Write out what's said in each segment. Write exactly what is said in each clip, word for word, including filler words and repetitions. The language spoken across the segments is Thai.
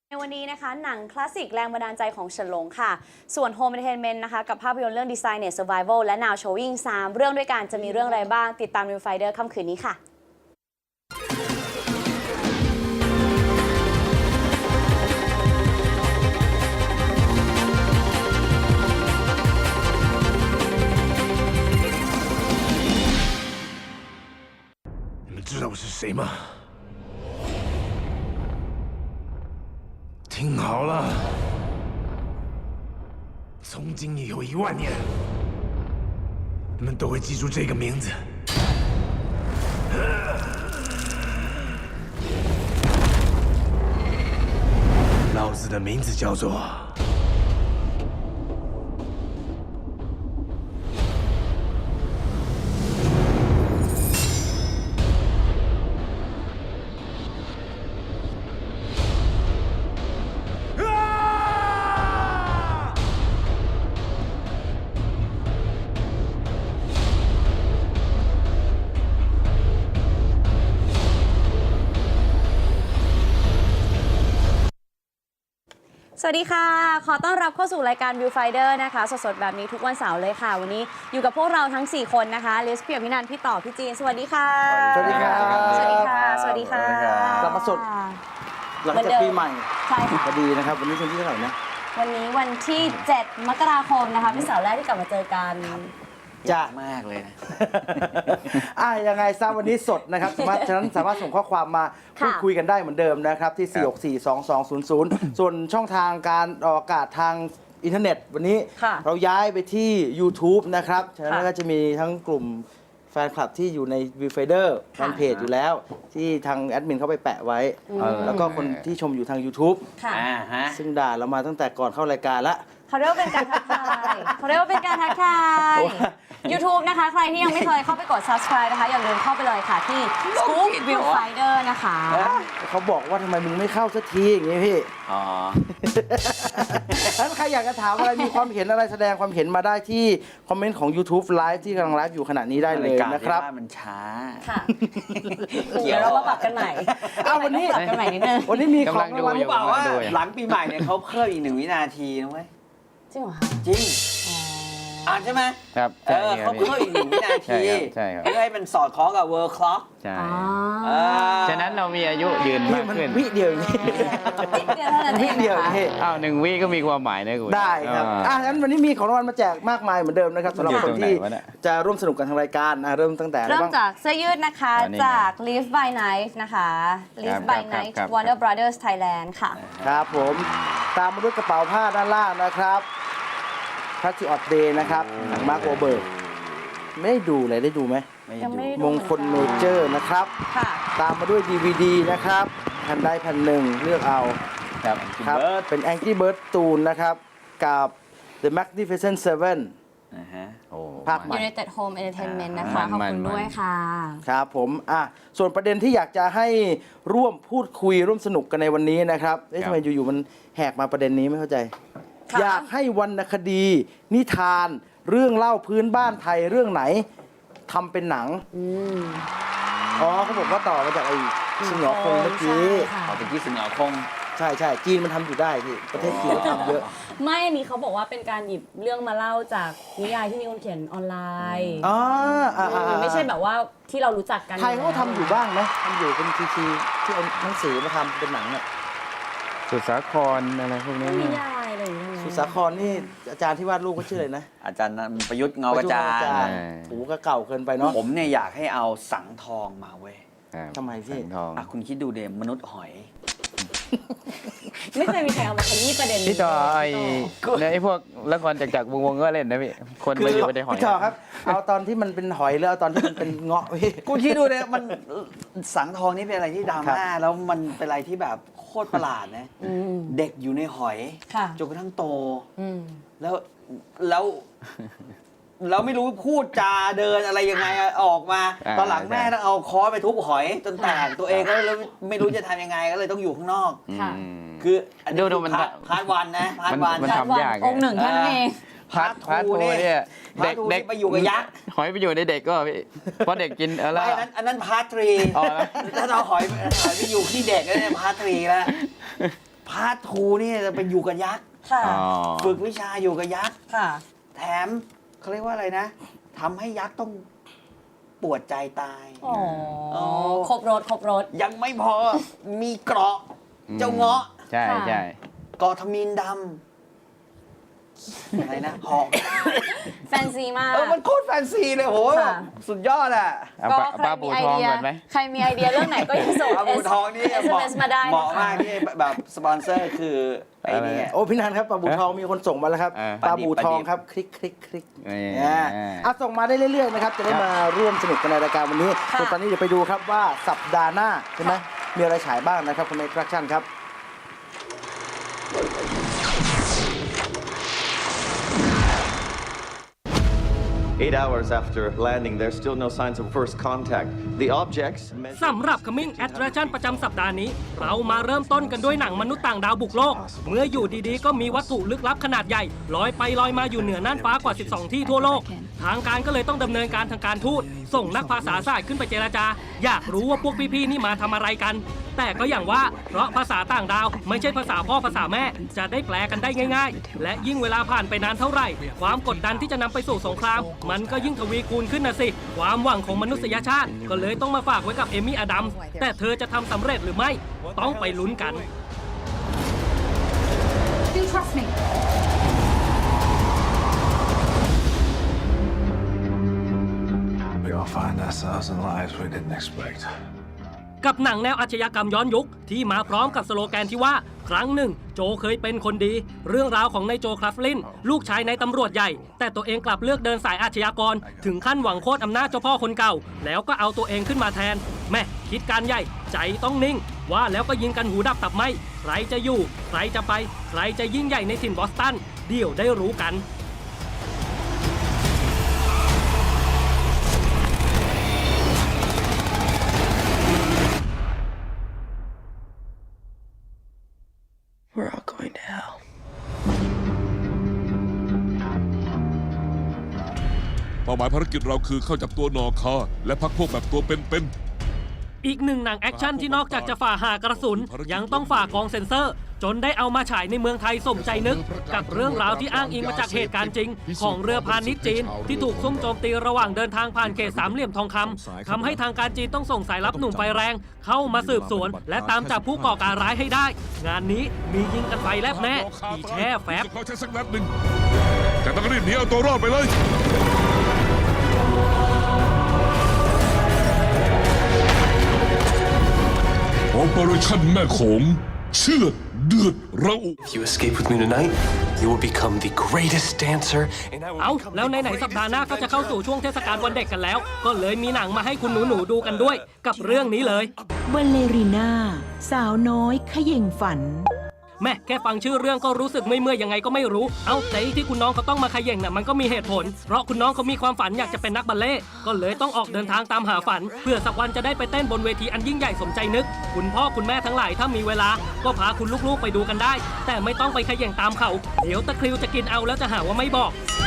ในวันนี้นะคะหนังคลาสสิกแรงบันดาลใจของเฉินหลงค่ะส่วน Home Entertainment นะคะกับภาพยนตร์เรื่อง Designer Survival และ Now Showing สามเรื่องด้วยกันจะมีเรื่องอะไรบ้างติดตาม Viewfinder ค่ำคืนนี้ค่ะ你们知道我是谁吗？听好了，从今以后一万年，你们都会记住这个名字。老子的名字叫做สวัสดีค่ะขอต้อนรับเข้าสู่รายการ Viewfinder นะคะสดๆแบบนี้ทุกวันเสาร์เลยค่ะวันนี้อยู่กับพวกเราทั้งสี่คนนะคะลิสพี่อภินันท์พี่ต่อพี่จีนสวัสดีค่ะสวัสดีครับสวัสดีค่ะสวัสดีค่ะกลับมาสดหลังจากปีใหม่ใช่ค่ะพอดีนะครับวันนี้วันที่เท่าไหร่นะวันนี้วันที่เจ็ดมกราคมนะคะเป็นเสาร์แรกที่กลับมาเจอกันจ้ามากเลยนะอ่ะยังไงซะวันนี้สดนะครับสามารถฉะนั้นสามารถส่งข้อความมาพูดคุยกันได้เหมือนเดิมนะครับที่ สี่ หก สี่ สอง สอง ศูนย์ ศูนย์ ส่วนช่องทางการออกอากาศทางอินเทอร์เน็ตวันนี้เราย้ายไปที่ YouTube นะครับฉะนั้นก็จะมีทั้งกลุ่มแฟนคลับที่อยู่ใน Viewfinder แฟนเพจอยู่แล้วที่ทางแอดมินเขาไปแปะไว้แล้วก็คนที่ชมอยู่ทาง YouTube ซึ่งด่าเรามาตั้งแต่ก่อนเข้ารายการละเขาเรียกว่าเป็นการทักทายเขาเรียกว่าเป็นการทักทาย YouTube นะคะใครที่ยังไม่เคยเข้าไปกด Subscribe นะคะอย่าลืมเข้าไปเลยค่ะที่ Scoop Viewfinder นะคะเขาบอกว่าทำไมมึงไม่เข้าสักทีอย่างนี้พี่อ๋อถ้าใครอยากจะถามอะไรมีความเห็นอะไรแสดงความเห็นมาได้ที่คอมเมนต์ของ YouTube Live ที่กำลังไลฟ์อยู่ขณะนี้ได้เลยนะครับมันช้าค่ะเดี๋ยวเรามาปรับกันใหม่อ้าววันนี้ปรับกันใหม่นิดนึงวันนี้มีของรางวัลเปล่าว่าหลังปีใหม่เนี่ยเขาเพิ่มอีกหนึ่งวินาทีนะเว้ยจริงเหรอคะจริงอ่านใช่ไหมครับเออเขาเพิ่มอีกหนึ่งวินาทีใช่ครับเพื่อให้มันสอดคล้องกับ World Clock ใช่ฉะนั้นเรามีอายุยืนมากขึ้นวิเดียวนี่วิเดียวเท่านั้นเองวิเดียวนี่อ้าวหนึ่งวิก็มีความหมายนะคุณได้ครับอ่ะงั้นวันนี้มีของรางวัลมาแจกมากมายเหมือนเดิมนะครับสำหรับคนที่จะร่วมสนุกกันทางรายการเริ่มตั้งแต่เริ่มจากเสื้อยืดนะคะจาก Live by Night นะคะ Live by Night Warner Brothers Thailand ค่ะครับผมตามมาด้วยกระเป๋าผ้าด้านล่างนะครับพัทธิออดเดย์นะครับมาร์คโอเบิร์กไม่ได้ดูเลยได้ดูไหมมงคลเมเจอร์นะครับตามมาด้วย ดี วี ดี นะครับแผ่นใดแผ่นหนึ่งเลือกเอาครับครับเป็น Angry Bird ตูนนะครับกับ The Magnificent Seven นะฮะภาคใหม่ United Home Entertainment นะคะขอบคุณด้วยค่ะครับผมอ่ะส่วนประเด็นที่อยากจะให้ร่วมพูดคุยร่วมสนุกกันในวันนี้นะครับเอ๊ะทำไมอยู่ๆมันแหกมาประเด็นนี้ไม่เข้าใจอยากให้วรรณคดีนิทานเรื่องเล่าพื้นบ้านไทยเรื่องไหนทำเป็นหนังอ๋อเขาบอกว่าต่อมาจากไอ้สิงห์หงอคงเมื่อกี้ต่อไปที่สิงห์หงอคงใช่ใช่จีนมันทำอยู่ได้ที่ประเทศจีนทำเยอะไม่อันนี้เขาบอกว่าเป็นการหยิบเรื่องมาเล่าจากนิยายที่มีคนเขียนออนไลน์อ๋อไม่ใช่แบบว่าที่เรารู้จักกันไทยเขาทำอยู่บ้างไหมทำอยู่เป็นทีทีที่เอาหนังสือมาทำเป็นหนังเนี่ยสุสาครอะไรพวกนี้นิยายอะไรอย่างเงี้ยสุสาครนี่อาจารย์ที่วาดรูปก็ชื่ออะไรนะอาจารย์ประยุทธ์เงากระจายถูก็เก่าเกินไปเนาะผมเนี่ยอยากให้เอาสังทองมาเว้ยทำไมพี่อ่ะคุณคิดดูเดมมนุษย์หอยไม่เคยมีใครเอามาขยี้ประเด็นพี่ต่อไอ้ไอ้พวกละครจากจากวงวงก็เล่นนะพี่คนมาอยู่ในหอยพี่ต่อครับเอาตอนที่มันเป็นหอยแล้วเอาตอนที่มันเป็นเงาะพี่กูคิดดูเนี่ยมันสังทองนี่เป็นอะไรที่ดราม่าแล้วมันเป็นอะไรที่แบบโคตรประหลาดนะเด็กอยู่ในหอยจนกระทั่งโตแล้วแล้วเราไม่รู้พูดจาเดินอะไรยังไงออกมาตอนหลังแม่ต้องเอาค้อนไปทุบหอยจนแตกตัวเองก็เลยไม่รู้จะทำยังไงก็เลยต้องอยู่ข้างนอกคือดูดูมันพาร์ทวันนะพาร์ทวันมันทำยากองค์หนึ่งท่านเองพาร์ทพาร์ททูเนี่ยเด็กเด็กไปอยู่กับยักษ์หอยไปอยู่ในเด็กก็พี่เพราะเด็กกินอะไรอันนั้นอันนั้นพาร์ททรีถ้าเราหอยหอยไปอยู่ที่เด็กก็เนี่ยพาร์ททรีแล้วพาร์ททูนี่จะไปอยู่กับยักษ์ค่ะอ๋อฝึกวิชาอยู่กับยักษ์ค่ะแถมเขาเรียกว่าอะไรนะทำให้ยักษ์ต้องปวดใจตายอ๋ออ๋อครบรถครบรถยังไม่พอมีเกราะเจ้าเงาะใช่ใช่เกราะทมินดำอะไรนะหอกแฟนซีมากเออมันโคตรแฟนซีเลยโหค่ะสุดยอดอ่ะเอาก็ปลาใครปลามีบูไอทองเดียก่อนไหมใครมีไอเดียเรื่องไหนก็อย่าส่งปลาบูทองนี่เอสเหเอ็มาะมเอสมาได้เหมาะนะคะมากที่แบบสปอนเซอร์คือไอ้นี่โอ้พี่นันครับปลาบูทองมีคนส่งมาแล้วครับเออปลาบูทองครับคลิกคลิกคลิกนี่อ่าอ่ะส่งมาได้เรื่อยๆนะครับจะได้มาร่วมสนุกกันในรายการวันนี้ค่ะส่วนตอนนี้เดี๋ยวไปดูครับว่าสัปดาห์หน้าใช่ไหมมีอะไรฉายบ้างนะครับคุณเอ็กซ์ตร้าชั่นครับ Eight hours after landing, there's still no signs of first contact. The objects สำหรับ Coming Attraction ประจำสัปดาห์นี้ เรามาเริ่มต้นกันด้วยหนังมนุษย์ต่างดาวบุกโลก เมื่ออยู่ดีๆ ก็มีวัตถุลึกลับขนาดใหญ่ลอยไปลอยมาอยู่เหนือน่านฟ้ากว่า สิบสอง ที่ทั่วโลก ทางการก็เลยต้องดำเนินการทางการทูตส่งนักภาษาศาสตร์ขึ้นไปเจรจา อยากรู้ว่าพวกพี่ๆนี่มาทำอะไรกัน แต่ก็อย่างว่าเพราะภาษาต่างดาวไม่ใช่ภาษาพ่อภาษาแม่จะได้แปลกันได้ง่ายๆ และยิ่งเวลาผ่านไปนานเท่าไหร่ ความกดดันที่จะนำไปสู่สงคราม มันก็ยิ่งทวีคูณขึ้นนะสิ ความหวังของมนุษยชาติ ก็เลยต้องมาฝากไว้กับเอมี่อดัมส์แต่เธอจะทำสำเร็จหรือไม่ ต้องไปลุ้นกัน Do trust me. We all find ourselves in lives we didn't expect. กับหนังแนวอาชญากรรมย้อนยุคที่มาพร้อมกับสโลแกนที่ว่า ครั้งหนึ่งโจเคยเป็นคนดี เรื่องราวของนายโจคลัฟลินลูกชายในตำรวจใหญ่ แต่ตัวเองกลับเลือกเดินสายอาชญากร ถึงขั้นหวังโค่นอำนาจเจ้าพ่อคนเก่า แล้วก็เอาตัวเองขึ้นมาแทน แม่คิดการใหญ่ใจต้องนิ่ง ว่าแล้วก็ยิงกันหูดับตับไหมใครจะอยู่ ใครจะไป ใครจะยิ่งใหญ่ในถิ่นบอสตันเดี๋ยวได้รู้กัน We're all going to hell. เป้าหมายภารกิจเราคือเข้าจับตัวนอคาและพักพวกแบบตัวเป็นๆอีกหนึ่งหนังแอคชั่นที่นอกจากจะฝ่าหากระสุน ยังต้องฝ่ากองเซ็นเซอร์ จนได้เอามาฉายในเมืองไทยสมใจนึก กับเรื่องราวที่อ้างอิงมาจากเหตุการณ์จริง ของเรือพาณิชย์จีน ที่ถูกซุ่มโจมตีระหว่างเดินทางผ่านเขตสามเหลี่ยมทองคำทำให้ทางการจีนต้องส่งสายลับหนุ่มไฟแรง เข้ามาสืบสวน และตามจับผู้ก่อการร้ายให้ได้ งานนี้มียิงกันไฟแลบแน่อีแช่แฟบเขาใช้สักนัดหนึ่งแต่ต้องรีบหนีเอาตัวรอดไปเลย Operation แม่โขงเชือดเดือดระอุ If you escape with me tonight, you will become the greatest dancer, and I will เอา become แล้ว the ไหนๆ greatest สัปดาห์หน้าก็จะเข้าสู่ช่วงเทศกาลวันเด็กกันแล้ว ก็เลยมีหนังมาให้คุณหนูๆดูกันด้วย กับเรื่องนี้เลยบัลเลรีน่าสาวน้อยเขย่งฝันแม่แค่ฟังชื่อเรื่องก็รู้สึกไม่เมื่อยยังไงก็ไม่รู้ เอาแต่ที่คุณน้องเขาต้องมาขย่งน่ะมันก็มีเหตุผล เพราะคุณน้องเขามีความฝันอยากจะเป็นนักบัลเล่ต์ก็เลยต้องออกเดินทางตามหาฝัน เพื่อสักวันจะได้ไปเต้นบนเวทีอันยิ่งใหญ่สมใจนึก คุณพ่อคุณแม่ทั้งหลายถ้ามีเวลา ก็พาคุณลูกๆไปดูกันได้ แต่ไม่ต้องไปขย่งตามเขา เดี๋ยวตะคริวจะกินเอาแล้วจะหาว่าไม่บอก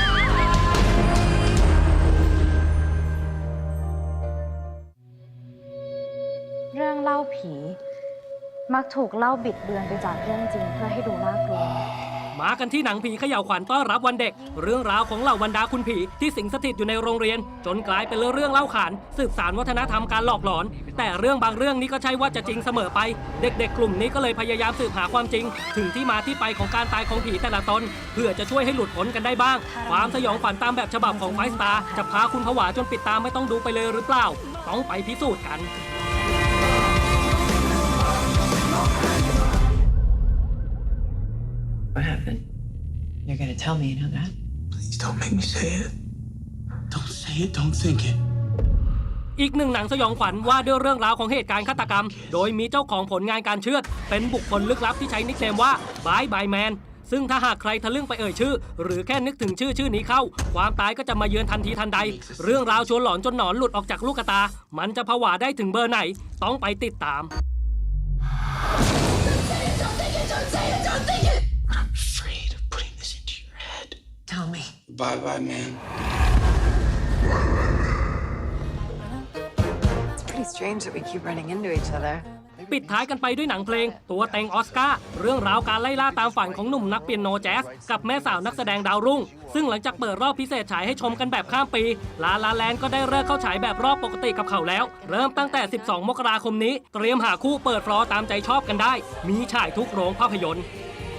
เรื่องเล่าผี มักถูกเล่าบิดเบือนไปจากเรื่องจริงเพื่อให้ดูน่ากลัวมากันที่หนังผีเขย่าวขวัญต้อนรับวันเด็ก เรื่องราวของเหล่าบรรดาคุณผีที่สิงสถิตอยู่ในโรงเรียน จนกลายเป็นเรื่องเล่าขานสืบสานวัฒนธรรมการหลอกหลอน แต่เรื่องบางเรื่องนี้ก็ใช่ว่าจะจริงเสมอไป เด็กๆ กลุ่มนี้ก็เลยพยายามสืบหาความจริง ถึงที่มาที่ไปของการตายของผีแต่ละตน เพื่อจะช่วยให้หลุดพ้นกันได้บ้าง ความสยองขวัญตามแบบฉบับของไฟสตาร์จะพาคุณผวาจนปิดตาไม่ต้องดูไปเลยหรือเปล่า ต้องไปพิสูจน์กัน What happened? You're gonna tell me, you know that? Please don't make me say it. Don't say it, don't think it. อีกหนึ่งหนังสยองขวัญว่าด้วยเรื่องราวของเหตุการณ์ฆาตกรรม โดยมีเจ้าของผลงานการเชือด เป็นบุคคลลึกลับที่ใช้นิคเนมว่าบายบายแมนซึ่งถ้าหากใครทะลึ่งไปเอ่ยชื่อ หรือแค่นึกถึงชื่อชื่อนี้เข้า ความตายก็จะมาเยือนทันทีทันใด เรื่องราวชวนหลอนจนหนอนหลุดออกจากลูกตา มันจะผวาได้ถึงเบอร์ไหน ต้องไปติดตาม I'm afraid of putting this into your head. Tell me. Bye bye, man. It's pretty strange that we keep running into each other. ปิดท้ายกันไปด้วยหนังเพลงตัวเต็งออสการ์เรื่องราวการไล่ล่าตามฝันของหนุ่มนักเปียโนแจ๊สกับแม่สาวนักแสดงดาวรุ่งซึ่งหลังจากเปิดรอบพิเศษฉายให้ชมกันแบบข้ามปีลาลาแลนด์ก็ได้เลิกเข้าฉายแบบรอบปกติกับเขาแล้วเริ่มตั้งแต่ สิบสอง มกราคมนี้เตรียมหาคู่เปิดฟลอร์ตามใจชอบกันได้มีฉายทุกโรงภาพยนตร์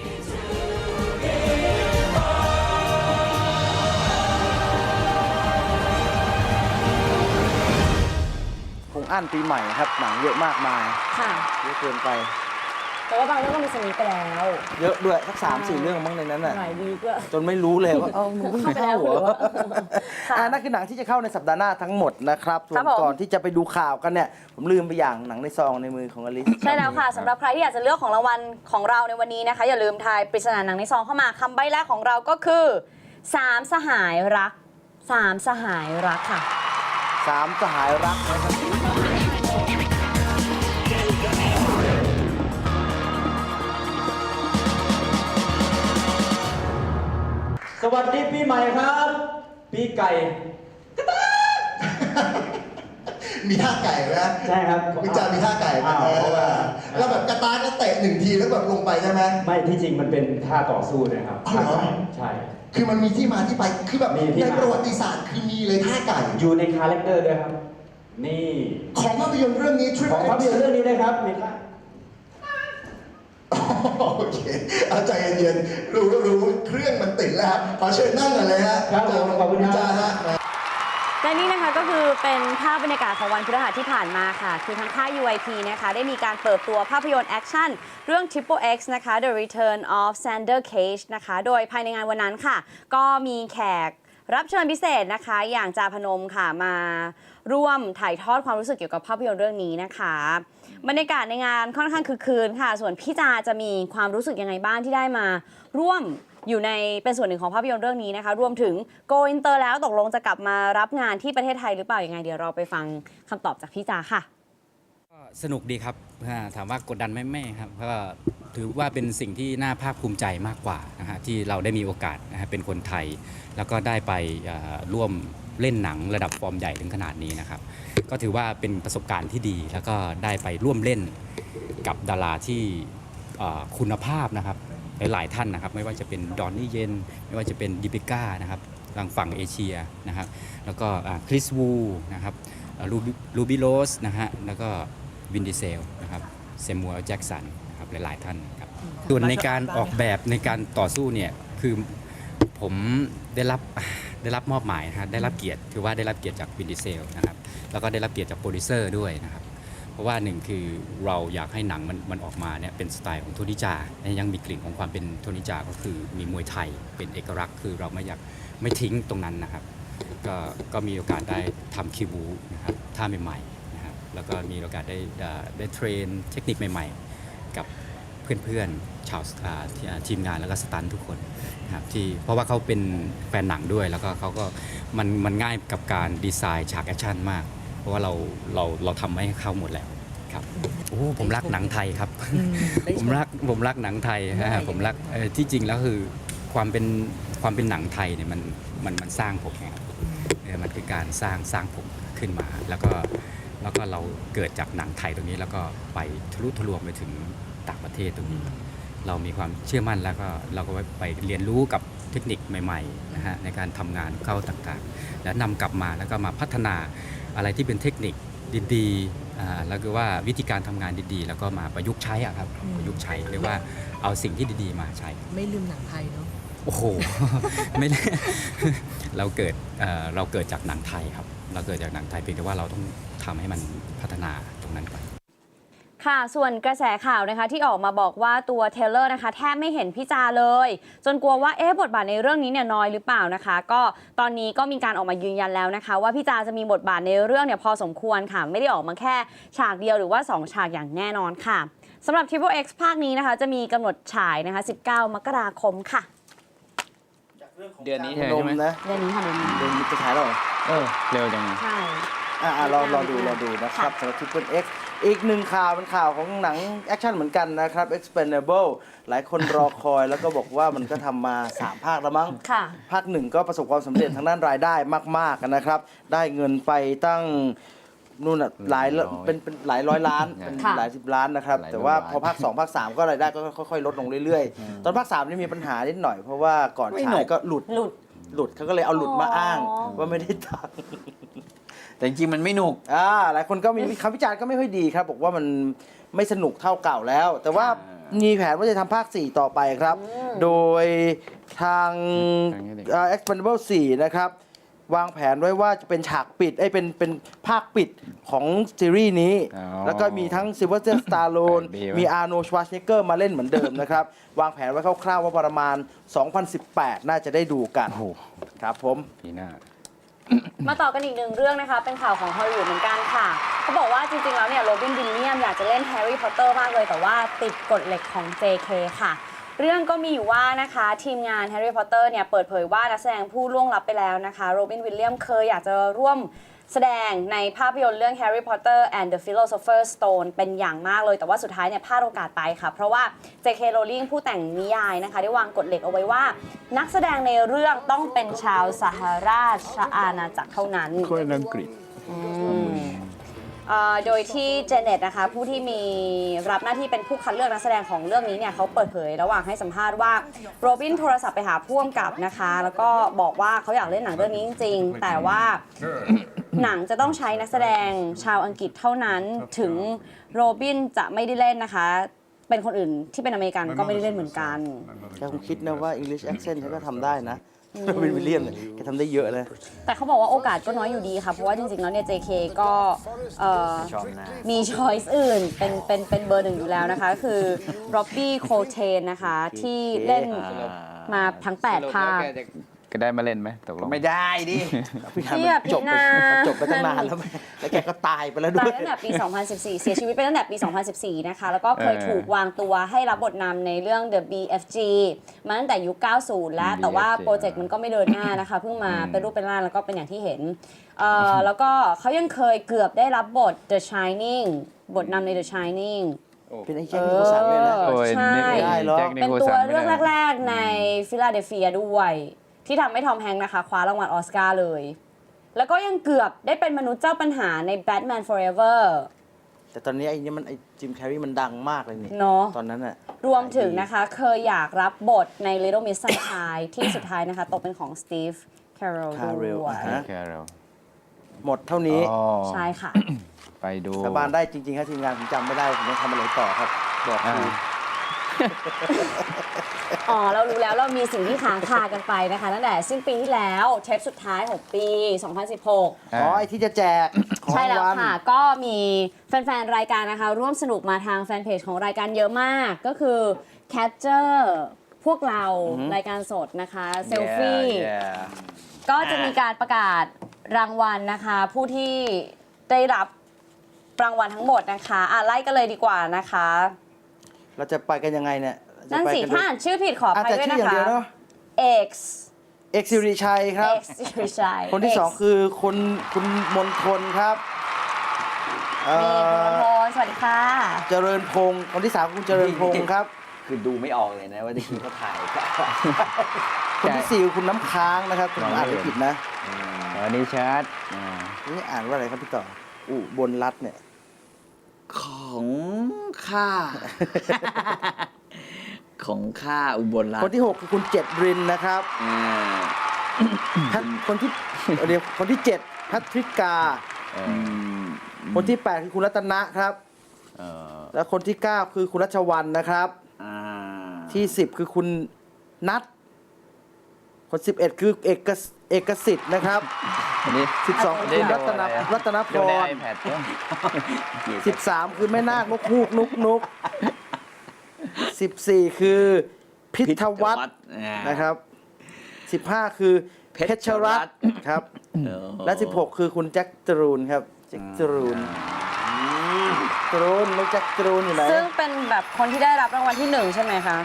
คงอั้นปีใหม่ครับหนังเยอะมากมายค่ะเยอะเกินไปแต่ว่าบางเรื่องก็มีสนิทไปแล้วเยอะด้วยสักสามสี่เรื่องมั้งในนั้นน่ะหลายวีคด้วยจนไม่รู้เลยว่าเออมึงเพิ่งเข้าเหรอค่ะอ่านั่นคือหนังที่จะเข้าในสัปดาห์หน้าทั้งหมดนะครับส่วครันบผมก่อนที่จะไปดูข่าวกันเนี่ย ผมลืมไปอย่างหนังในซองในมือของอลิสใช่แล้วค่ะสำหรับใครที่อยากจะเลือกของรางวัลของเราในวันนี้นะคะ อย่าลืมทายปริศนาหนังในซองเข้ามาคำใบ้แรกของเราก็คือสามสหายรักสามสหายรักค่ะสามสหายรักนะครับสวัสดีปีใหม่ครับ ปีไก่มีท่าไก่ไหมใช่ครับคุณจามีท่าไก่ไหมอ้าวเพราะว่าแล้วแบบกระตากก็เตะหนึ่งทีแล้วแบบลงไปใช่ไหมไม่ที่จริงมันเป็นท่าต่อสู้นะครับอ๋อเหรอใช่คือมันมีที่มาที่ไปคือแบบมีที่ในมาประวัติศาสตร์คือมีเลยท่าไก่อยู่ในคาแรคเตอร์ด้วยครับ นี่ของภาพยนตร์เรื่องนี้ Triple ของภาพยนตร์เรื่องนี้นะครับมีท่าโอเคเอาใจเย็นๆรู้รู้เครื่องมันติดแล้วครับขอเชิญนั่งหน่อยเลยฮะครับผมขอบคุณครับจ้าฮะและนี่นะคะก็คือเป็นภาพบรรยากาศของวันพฤหัสที่ผ่านมาค่ะ คือทางค่าย ยู ไอ พี นะคะได้มีการเปิดตัวภาพยนตร์แอคชั่นเรื่อง Triple X นะคะ The Return of Xander Cage นะคะ โดยภายในงานวันนั้นค่ะ ก็มีแขกรับเชิญพิเศษนะคะ อย่างจาพนมค่ะมาร่วมถ่ายทอดความรู้สึกเกี่ยวกับภาพยนตร์เรื่องนี้นะคะ บรรยากาศในงานค่อนข้างคึกคืนค่ะ ส่วนพี่จาจะมีความรู้สึกยังไงบ้างที่ได้มาร่วมอยู่ในเป็นส่วนหนึ่งของภาพยนตร์เรื่องนี้นะคะ รวมถึงโกอินเตอร์แล้วตกลงจะกลับมารับงานที่ประเทศไทยหรือเปล่ายังไงเดี๋ยวเราไปฟังคำตอบจากพี่จาค่ะก็สนุกดีครับอ่าถามว่ากดดันไหมไม่ครับก็ถือว่าเป็นสิ่งที่น่าภาคภูมิใจมากกว่านะฮะที่เราได้มีโอกาสนะฮะเป็นคนไทย แล้วก็ได้ไปอ่าร่วมเล่นหนังระดับฟอร์มใหญ่ถึงขนาดนี้นะครับก็ถือว่าเป็นประสบการณ์ที่ดี แล้วก็ได้ไปร่วมเล่นกับดาราที่อ่าคุณภาพนะครับหลายๆท่านนะครับไม่ว่าจะเป็นดอนนี่เยนไม่ว่าจะเป็นดิปิก้านะครับทางฝั่งเอเชียนะครับแล้วก็คริสวูนะครับลูบิโรสนะฮะแล้วก็วินดีเซลนะครับเซมัวแจ็กสันนะครับหลายๆท่านครับส่วนในการออกแบบในการต่อสู้เนี่ยคือผมได้รับได้รับมอบหมายนะฮะได้รับเกียรติถือว่าได้รับเกียรติจากวินดีเซลนะครับแล้วก็ได้รับเกียรติจากโปรดิวเซอร์ด้วยนะครับเพราะว่าหนึ่งคือเราอยากให้หนังมันมันออกมาเนี่ยเป็นสไตล์ของโทนิจายังมีกลิ่นของความเป็นโทนิจาก็คือมีมวยไทยเป็นเอกลักษณ์คือเราไม่อยากไม่ทิ้งตรงนั้นนะครับก็ก็มีโอกาสได้ทำคิวบูนะครับท่าใหม่ๆแล้วก็มีโอกาสได้ได้เทรนเทคนิคใหม่ๆกับเพื่อนๆชาวทีมงานแล้วก็สตันทุกคนนะครับที่เพราะว่าเขาเป็นแฟนหนังด้วยแล้วก็เขาก็มันมันง่ายกับการดีไซน์ฉากแอคชั่นมากเพราะว่าเราเราเราทำให้เข้าหมดแล้วครับโอ้ผมรักหนังไทยครับ ผมรักผมรักหนังไทยนะผมรักที่จริงแล้วคือความเป็นความเป็นหนังไทยเนี่ยมันมันมันสร้างผมไงครับมันคือการสร้างสร้างผมขึ้นมาแล้วก็แล้วก็เราเกิดจากหนังไทยตรงนี้แล้วก็ไปทะลุทะลวงไปถึงต่างประเทศตรงนี้ เรามีความเชื่อมั่นแล้วก็เราก็ไปเรียนรู้กับเทคนิคใหม่ๆนะฮะในการทำงานเข้าต่างๆแล้วนำกลับมาแล้วก็มาพัฒนาอะไรที่เป็นเทคนิคดีๆแล้วก็ว่าวิธีการทำงานดีๆแล้วก็มาประยุกต์ใช้อะครับประยุกต์ใช้เรียกว่าเอาสิ่งที่ดีๆมาใช้ไม่ลืมหนังไทยเนาะโอ้โห ไม่ได้ เราเกิดเอ่อเราเกิดจากหนังไทยครับเราเกิดจากหนังไทยเพียงแต่ว่าเราต้องทำให้มันพัฒนาตรงนั้นก่อนค่ะส่วนกระแสข่าวนะคะที่ออกมาบอกว่าตัวเทเลอร์นะคะแทบไม่เห็นพี่จาเลย จนกลัวว่าเอ๊ะบทบาทในเรื่องนี้เนี่ยน้อยหรือเปล่านะคะก็ตอนนี้ก็มีการออกมายืนยันแล้วนะคะว่าพี่จาจะมีบทบาทในเรื่องเนี่ยพอสมควรค่ะไม่ได้ออกมาแค่ฉากเดียวหรือว่าสองฉากอย่างแน่นอนค่ะสำหรับ Triple X ภาคนี้นะคะจะมีกำหนดฉายนะคะสิบเก้ามกราคมค่ะเดือนนี้ใช่ไหมนะเดือนนี้ค่ะเดือนนี้เดือนนี้จะฉายแล้วเหรอเออเร็วจังใช่อ่ารอรอดูรอดูนะครับสำหรับ Triple X อีกหนึ่งข่าวเป็นข่าวของหนังแอคชั่นเหมือนกันนะครับ Expendable หลายคนรอคอยแล้วก็บอกว่ามันก็ทำมาสามภาคแล้วมั้งภาคหนึ่งก็ประสบความสำเร็จทางด้านรายได้มากๆนะครับได้เงินไปตั้งนู่นอ่ะหลายเป็นเป็นหลายร้อยล้านเป็นหลายสิบล้านนะครับ แต่ว่าพอภาคสองภาคสามก็รายได้ก็ค่อยๆลดลงเรื่อยๆ ตอนภาคสามนี่มีปัญหานิดหน่อยเพราะว่าก่อนฉายก็หลุดหลุดหลุดเขาก็เลยเอาหลุดมาอ้างว่าไม่ได้ตังค์แต่จริงๆมันไม่หนุกอ่าหลายคนก็มีคำวิจารณ์ก็ไม่ค่อยดีครับ บอกว่ามันไม่สนุกเท่าเก่าแล้ว แต่ว่ามีแผนว่าจะทำภาคสี่ต่อไปครับ โดยทาง Expendable สี่นะครับวางแผนไว้ว่าจะเป็นฉากปิดไอ้เป็นเป็นภาคปิดของซีรีส์นี้ แล้วก็มีทั้งซิลเวอร์สตาร์โลนมีอาร์โนชวาร์ซเนกเกอร์มาเล่นเหมือนเดิมนะครับ วางแผนไว้คร่าวๆว่าประมาณ สองพันสิบแปด น่าจะได้ดูกันครับผมปีหน้ามาต่อกันอีกหนึ่งเรื่องนะคะ เป็นข่าวของฮอลลีวูดเหมือนกันค่ะเขาบอกว่าจริงๆแล้วเนี่ยโรบินวิลเลียมอยากจะเล่นแฮร์รี่พอตเตอร์มากเลยแต่ว่าติดกฎเหล็กของ เจ เค ค่ะ เรื่องก็มีอยู่ว่านะคะทีมงานแฮร์รี่พอตเตอร์เนี่ยเปิดเผยว่านักแสดงผู้ล่วงลับไปแล้วนะคะโรบินวิลเลียมเคยอยากจะร่วมแสดงในภาพยนตร์เรื่อง Harry Potter and the Philosopher's Stone เป็นอย่างมากเลยแต่ว่าสุดท้ายเนี่ยพลาดโอกาสไปค่ะเพราะว่า เจ เค Rowling ผู้แต่งนิยายนะคะได้วางกฎเหล็กเอาไว้ว่า นักแสดงในเรื่องต้องเป็นชาวสหราชอาณาจักรเท่านั้นคนอังกฤษโดยที่เจเน็ตนะคะผู้ที่มีรับหน้าที่เป็นผู้คัดเลือกนักแสดงของเรื่องนี้เนี่ยเขาเปิดเผยระหว่างให้สัมภาษณ์ว่าโรบินโทรศัพท์ไปหาผู้กำกับนะคะแล้วก็บอกว่าเขาอยากเล่นหนังเรื่องนี้จริงๆแต่ว่าหนังจะต้องใช้นักแสดงชาวอังกฤษเท่านั้นถึงโรบินจะไม่ได้เล่นนะคะเป็นคนอื่นที่เป็นอเมริกันก็ไม่ได้เล่นเหมือนกันแกคงคิดนะว่า English accent เขาก็ทำได้นะเป็นวิลเลียมเนี่ยแกทำได้เยอะเลยแต่เขาบอกว่าโอกาสก็น้อยอยู่ดีค่ะเพราะว่าจริงๆแล้วเนี่ย เจ เค ก็มีช้อยส์อื่นเป็นเป็นเป็นเบอร์หนึ่งอยู่แล้วนะคะคือร็อบบี้โคเทนนะคะที่เล่นมาทั้งแปดภาคก็ได้มาเล่นไหมตกลงไม่ได้ดิพี่จบไปจบไปตั้งนานแล้วแล้วแกก็ตายไปแล้วด้วยตายตั้งแต่ปี สองพันสิบสี่ เสียชีวิตไปตั้งแต่ปี สองพันสิบสี่ นะคะแล้วก็เคยถูกวางตัวให้รับบทนำในเรื่อง The บี เอฟ จี มาตั้งแต่ยุค เก้าสิบ แล้วแต่ว่าโปรเจกต์มันก็ไม่เดินหน้านะคะเพิ่งมาเป็นรูปเป็นร่างแล้วก็เป็นอย่างที่เห็นแล้วก็เขายังเคยเกือบได้รับบท The Shining บทนำใน The Shining เป็นไอ้แจ็คนิโคลสันด้วยนะใช่เป็นตัวเรื่องแรกๆในฟิลาเดลเฟียด้วยที่ทำให้ทอมแฮงค์นะคะคว้ารางวัลออสการ์เลยแล้วก็ยังเกือบได้เป็นมนุษย์เจ้าปัญหาใน Batman Forever แต่ตอนนี้ไอ้นี่มันไอ้จิมแคร์รีมันดังมากเลยนี่เนาะตอนนั้นอะรวมถึงนะคะเคยอยากรับบทใน Little Miss Sunshine ที่สุดท้ายนะคะตกเป็นของ Steve Carell ด้วยหมดเท่านี้ใช่ค่ะไปดูสบานได้จริงๆครับทีมงานผมจำไม่ได้ผมต้องทำอะไรต่อครับบอกคืออ๋อเรารู้แล้วเรามีสิ่งที่ค้างคากันไปนะคะตั้งแต่สิ้นปีที่แล้วเทปสุดท้ายของปี สองพันสิบหกอ๋อไอที่จะแจกใช่แล้วค่ะก็มีแฟนๆรายการนะคะร่วมสนุกมาทางแฟนเพจของรายการเยอะมากก็คือ Catcher พวกเรารายการสดนะคะเซลฟี่ก็จะมีการประกาศรางวัลนะคะผู้ที่ได้รับรางวัลทั้งหมดนะคะอ่ะไล่กันเลยดีกว่านะคะเราจะไปกันยังไงเนี่ยนั่นสิถ้าอ่านชื่อผิดขออภัยด้วยนะคะ X X สิริชัยครับ X สิริชัยคนที่สองคือคุณคุณมนทนครับมีคุณมนทนสวัสดีค่ะเจริญพงศ์คนที่สามคุณเจริญพงศ์ครับคือดูไม่ออกเลยนะว่าที่เขาถ่ายคนที่สี่คุณน้ำค้างนะครับคุณอ่านไม่ผิดนะอันนี้ชัดนี่อ่านว่าอะไรครับพี่ต่ออุบลรัตน์เนี่ยของข้าของข้าอุบลรัตน์คนที่หกคือคุณเจ็ดรินนะครับคนที่เดี๋ยวคนที่เจ็ดพัทริกาคนที่แปดคือคุณรัตนะครับแล้วคนที่เก้าคือคุณรัชวรรณนะครับที่สิบคือคุณนัทคนสิบเอ็ดคือเอกเอกสิทธิ์นะครับสิบสองคุณรัตนรัตนพรสิบสามคือแม่นาคนกฮูกนุกนุกสิบสี่คือพิทวัฒน์นะครับสิบห้าคือเพชรรัตน์ครับและสิบหกคือคุณแจ็คจรูนครับแจ็คจรูนจรูนลูกแจ็คจรูนอยู่ไหนซึ่งเป็นแบบคนที่ได้รับรางวัลที่หนึ่งใช่ไหมคะ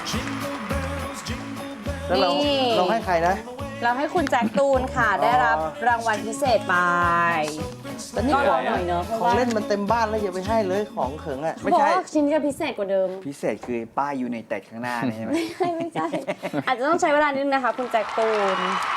แล้วเราเราให้ใครนะเราให้คุณแจ็คตูนค่ะได้รับรางวัลพิเศษไปแต่นี่ของหน่อยเนอะของเล่นมันเต็มบ้านแล้วอย่าไปให้เลยของเขิงอ่ะไม่ใช่ชิ้นจะพิเศษกว่าเดิมพิเศษคือป้ายอยู่ในแตกข้างหน้านี่ใช่ไหมไม่ใช่ไม่ใช่อาจจะต้องใช้เวลานิดนึงนะคะคุณแจ็คตูน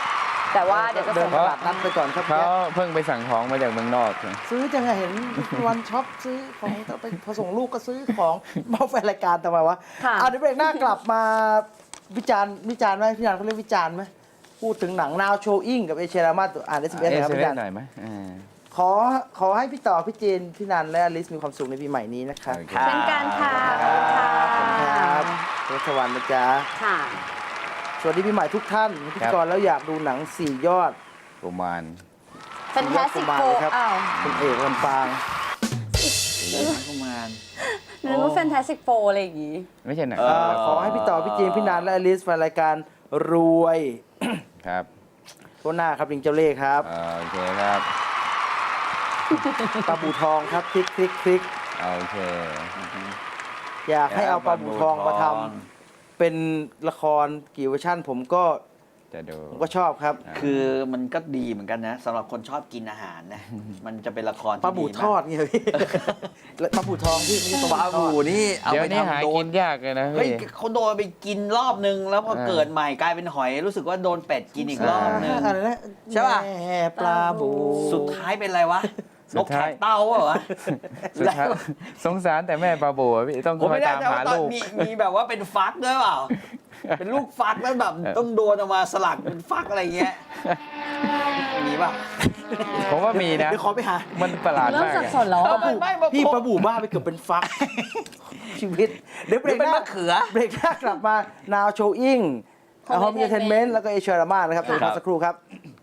แต่ว่าเดี๋ยวจะเดิส่นงตลาดนัดไปก่อนครับเขาเพิ่งไปสั่งของมาจากเมืองนอกซื้อจังไงเห็นวันช็อปซื้อของแต่ไปพอส่งลูกก็ซื้อของมาแฟนรายการทำไมวะค่ะอ่ะเดี๋ยวเบรกหน้ากลับมาวิจารณ์วิจารณ์ไหมพี่นันเขาเรียกวิจารณ์ไหมพูดถึงหนัง Now Showing กับเอเชียรามาอ่านเอสเอสเอนะครับเซพี่เว่นันนหน่อยไหมอ่าขอขอให้พี่ต่อพี่เจนพี่นันและอลิสมีความสุขในปีใหม่นี้นะครับโอเคเช่นกันค่ะขอบคุณค่ะขอบคุณครับรสวรรค์นะจ๊ะค่ะสวัสดีปีใหม่ทุกท่านพิธีกรแล้วอยากดูหนังสี่ยอดประมาณ Fantastic สี่ยอดกุมาร Four ครับอ้าวคุณเอกลำปางประมาณนึกว่า Fantastic Four อะไรอย่างงี้ไม่ใช่หนังเอ่อขอให้พี่ต่อพี่เจนพี่นันและอลิสแฟนรายการรวยครับทั่วหน้าครับลิงเจ้าเล่ห์ครับอ่าโอเคครับปลาบูทองครับคลิกคลิกคลิกโอเคอยากให้เอาปลาบูทองมาทำเป็นละครกี่เวอร์ชันผมก็จะดูผมก็ชอบครับคือมันก็ดีเหมือนกันนะสำหรับคนชอบกินอาหารนะ มันจะเป็นละครที่ปลาบูดีทอดไงพี่ แล้วปลาบูทองพี่ไม่ใช่ปลาบูนี่เอาเดี๋ยวไปนี้หาทำโดกินนยากเลยนะเฮ้ยพี่เขาโดนไปกินรอบนึง แล้วพอเออเกิดใหม่กลายเป็นหอย รู้สึกว่าโดนเป็ดกินอีกรอบนึงอะไรนะใช่ป่ะแม่ปลาบูสุดท้ายเป็นอะไรวะสุนดกท้าแขยกเต้าเหรอวะสุดท้ายสงสารแต่แม่ปลาโบอะพี่ต้องผมคอยไม่ได้ตามแต่หาว่าตอนลูกมีมีแบบว่าเป็นฟักด้วยเปล่า เป็นลูกฟักแล้วแบบต้องโดนเอามาสลักเป็นฟักอะไรเงี้ย มีป่ะผมว่ามีนะเดี๋ยวขอไปหามันประหลาดเริ่มมากสับอะสนแล้วปลาอะบูไม่ไม่พี่ปลาบูบ้าไปเกือบเป็นฟัก ชีวิต เดี๋ยวเบรกหเป็นน้ามะเขือเบรกหน้ากลับมา Now Showing ของ Home Entertainment Entertainment แล้วก็เอเชียรามานะครับเดี๋ยวพักสักครู่ครับ